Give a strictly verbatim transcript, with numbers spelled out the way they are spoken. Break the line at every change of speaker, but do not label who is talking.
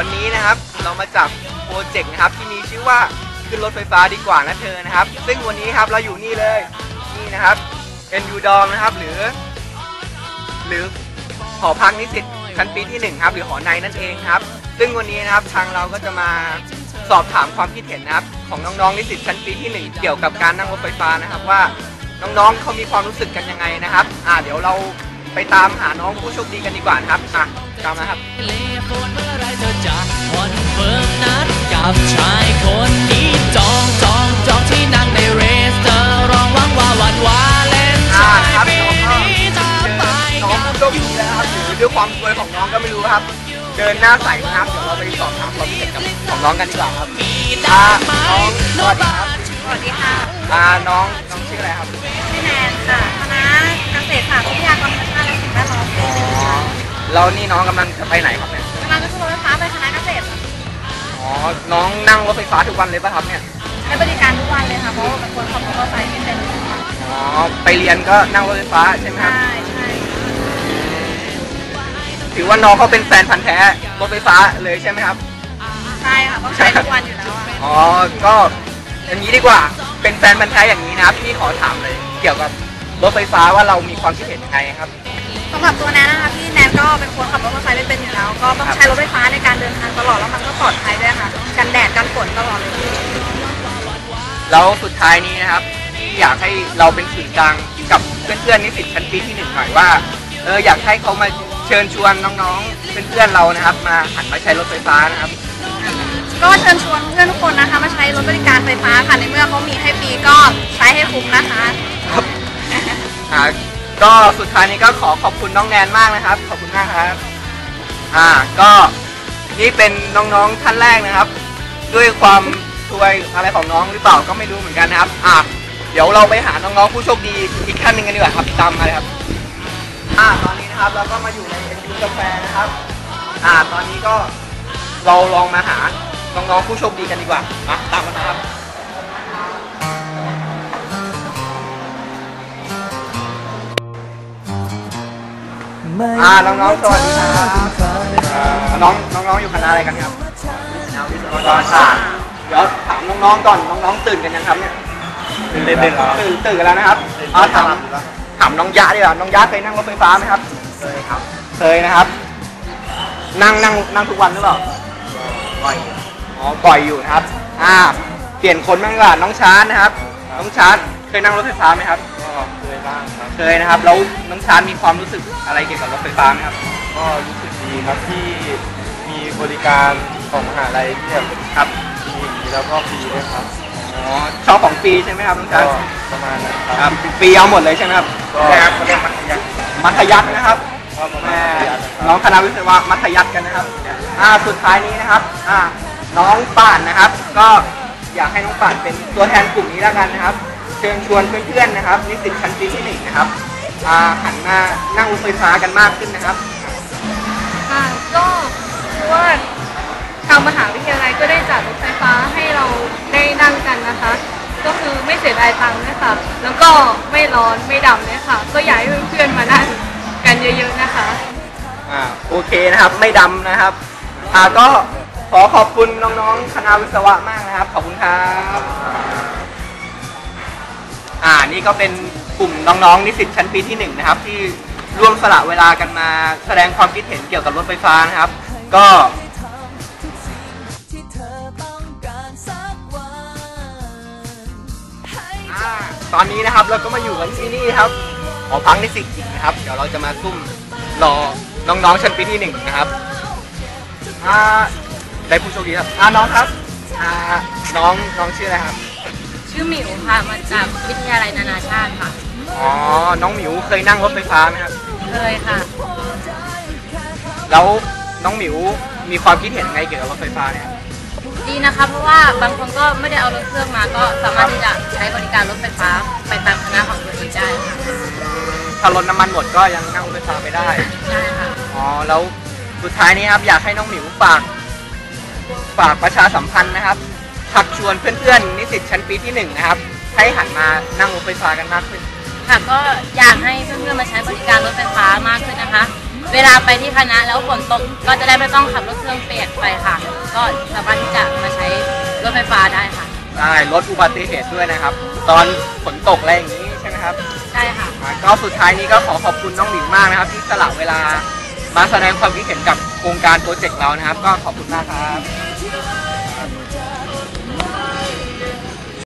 วันนี้นะครับเรามาจับโปรเจกต์นะครับที่มีชื่อว่าขึ้นรถไฟฟ้าดีกว่านะเธอนะครับซึ่งวันนี้ครับเราอยู่นี่เลยนี่นะครับ เอ็น ยู Dorm นะครับหรือหรือหอพักนิสิตชั้นปีที่หนึ่งครับหรือหอในนั่นเองครับซึ่งวันนี้นะครับทางเราก็จะมาสอบถามความคิดเห็นนะครับของน้องๆนิสิตชั้นปีที่หนึ่งเกี่ยวกับการนั่งรถไฟฟ้านะครับว่าน้องๆเขามีความรู้สึกกันยังไงนะครับอ่าเดี๋ยวเราไปตามหาน้องผู้โชคดีกันดีกว่านะครับอ่ะตามนะครับกับชายคนนี้จองจองจองที่นั่งในเรสเตอร์รองหวังว่าวันวาเลนไทน์ปีนี้จะไปน้องผู้โชคดีนะครับหรือด้วยความสวยของน้องก็ไม่รู้ครับเดินหน้าใสนะครับเดี๋ยวเราไปสอบถามความคิดเห็นกับของน้องกันดีกว่าครับอ่าน้องสวัสดีครับ
สวัสดีค่ะ
อ่าน้องน้องชื่ออะไรครับ
ชื่อแนนค่ะคณะเกษตรศาสตร์วิทยากรธรรมชาติและสิ่งแวดล้อมปีหนึ่งค่ะ
แล้วนี่น้องกำลังจะไปไหนครับเนี่ย
กำลังจะขึ้นรถไฟฟ้าไปคณะเกษตร
อ๋อน้องนั่งรถไฟฟ้าทุกวันเลยป่ะครับเนี่ย
ใช้บริการทุกวันเลยค่ะเพราะว่าเป็นคนขับมอเตอร์ไซค์ที่เป็น
อ๋อไปเรียนก็นั่งรถไฟฟ้าใช่ไหมครับ
ใช่ใช่
ถือว่าน้องเขาเป็นแฟนพันธุ์แท้รถไฟฟ้าเลยใช่ไหมครับ
ใช่ค่ะต้องใช้ทุกวันอยู่แล้ว
อ๋อก็อย่างนี้ดีกว่าเป็นแฟนพันธุ์แท้อย่างนี้นะครับพี่ขอถามเลยเกี่ยวกับรถไฟฟ้าว่าเรามีความคิดเห็นยังไงครับ
สำหรับตัวแนนนะคะพี่แนนก็เป็นคนขับรถมอเตอร์ไซค์เป็นอยู่แล้วก็ต้องใช้รถไฟฟ้าในการเดินทางตลอดแล้วมันก็ปลอดภัยด้วยค่ะกันแดดกันฝนตลอดเลย
แล้วสุดท้ายนี้นะครับที่อยากให้เราเป็นสื่อกลางกับเพื่อนๆนิสิตชั้นปีที่หนึ่งหน่อยว่าเอออยากให้เขามาเชิญชวนน้องๆเพื่อนๆเรานะครับมาหันมาใช้รถไฟฟ้านะครับ
ก็เชิญชวนเพื่อนทุกคนนะคะมาใช้รถบริการไฟฟ้าค่ะในเมื่อเขามีให้ฟรีก็ใช้ให้คุ้มนะคะ
ครับอ่าก็สุดท้ายนี้ก็ขอขอบคุณน้องแนนมากนะครับขอบคุณมากครับอ่าก็นี่เป็นน้องๆท่านแรกนะครับด้วยความช่วยอะไรของน้องหรือเปล่าก็ไม่รู้เหมือนกันนะครับอ่าเดี๋ยวเราไปหาน้องๆผู้โชคดีอีกท่านหนึ่งกันดีกว่าครับตามมาเลยครับอ่าตอนนี้นะครับเราก็มาอยู่ในเอ็นยูกาแฟนะครับอ่าตอนนี้ก็เราลองมาหาน้องๆผู้โชคดีกันดีกว่ามาตามมาครับอ่าน้องๆสวัสดีครับน้องน้องๆอยู่คณะอะไรกันครับคณะวิศวกรศาสตร์เดี๋ยวถามน้องๆก่อนน้องๆตื่นกันยังครับเนี่ยตื่นตื่นตื่นตื่นกันแล้วนะครับอ่าถามถามน้องยะดีกว่าน้องยะเคยนั่งรถไฟฟ้าไหมครับเคยครับเคยนะครับนั่งนั่งนั่งทุกวันหรือเปล่าบ่อยอ๋อบ่อยอยู่นะครับอ่าเปลี่ยนคนบ้างดีกว่าน้องชาร์ตนะครับน้องชาร์ตเคยนั่งรถไฟฟ้าไหมครับ
เคยบ้างครับ
เคยนะครับแล้วน้องชาร์ตมีความรู้สึกอะไรเกี่ยวกับรถไฟฟ้าไหมครับ
ก็รู้สึกดีครับที่มีบริการของมหาลัยที่แบบ
ครับ
ดีแล้วก็ฟรีด้วยครับ
อ๋อชอบของฟรีใช่ไหมครับน้องชาร์ต
ประมาณนั้น
ครับฟรีเอาหมดเลยใช่ไหมครับ
ก็เขาเรียกมัธยัสถ์
มัธยัสถ์นะครับน้องคณะวิศวะมัธยัสถ์กันนะครับอ่าสุดท้ายนี้นะครับอ่าน้องป่านนะครับก็อยากให้น้องป่านเป็นตัวแทนกลุ่มนี้แล้วกันนะครับเชิญชวนเพื่อนๆนะครับนิสิตชั้นปีที่หนึ่งนะครับหันมานั่งรถไฟฟ้ากันมากขึ้นนะครับ
ค่ะก็คือว่าทางมหาวิทยาลัยก็ได้จัดรถไฟฟ้าให้เราได้นั่งกันนะคะก็คือไม่เสียดายตังค์นะคะแล้วก็ไม่ร้อนไม่ดำเลยค่ะก็อยากให้เพื่อนๆมานั่งกันเยอะๆนะคะ
อ่าโอเคนะครับไม่ดำนะครับอ่าก็ขอขอบคุณน้องๆคณะวิศวะมากนะครับขอบคุณครับอ่านี่ก็เป็นกลุ่มน้องๆนิสิตชั้นปีที่หนึ่งนะครับที่ร่วมสละเวลากันมาแสดงความคิดเห็นเกี่ยวกับรถไฟฟ้านะครับก็ตอนนี้นะครับเราก็มาอยู่กันที่นี่ครับหอพักนิสิตหญิงนะครับเดี๋ยวเราจะมาซุ่มรอน้องๆชั้นปีที่หนึ่งนะครับอ่าได้ผู้โชคดีครับอ่าน้องครับอ่าน้องน้องชื่ออะไรครับ
ชื่อหมิวค่ะมาจากวิทยาลัยนานาชาติค่ะ
อ๋อน้องหมิวเคยนั่งรถไฟฟ้าไหมครับ
เคยค่ะ
แล้วน้องหมิวมีความคิดเห็นไงเกี่ยวกับรถไฟฟ้าเนี่ย
ดีนะคะเพราะว่าบางคนก็ไม่ได้เอารถเครื่องมาก็สามารถที่จะใช้บริการรถไฟฟ้าไปตามคณะของตัวเองได้ค่ะ
ถ้ารถน้ำมันหมดก็ยังนั่งรถไฟฟ้าไปได้
ใช่ค่ะ
อ๋อแล้วสุดท้ายนี้ครับอยากให้น้องหมิวฝากฝากประชาสัมพันธ์นะครับชักชวนเพื่อนๆนิสิตชั้นปีที่หนึ่งนะครับให้หันมานั่งรถไฟฟ้ากันมากขึ้น
ค่ะก็อยากให้เพื่อนๆมาใช้บริการรถไฟฟ้ามากขึ้นนะคะ
เวลาไปที่คณะแล้วฝนตกก็จะได้ไม่ต้องขับรถเครื่องเปียกไปค่ะ ก็สามารถที่จะมาใช้รถไฟฟ้าได้ค่ะ
ใช่ลดอุบัติเหตุด้วยนะครับ ตอนฝนตกอะไรอย่างนี้ใช่ไหมครับ
ใช่ค่ะ
อ่าก็สุดท้ายนี้ก็ขอขอบคุณน้องหลิงมากนะครับ ที่สละเวลามาแสดงความคิดเห็นกับโครงการโปรเจกต์เรานะครับ ก็ขอบคุณมากครับ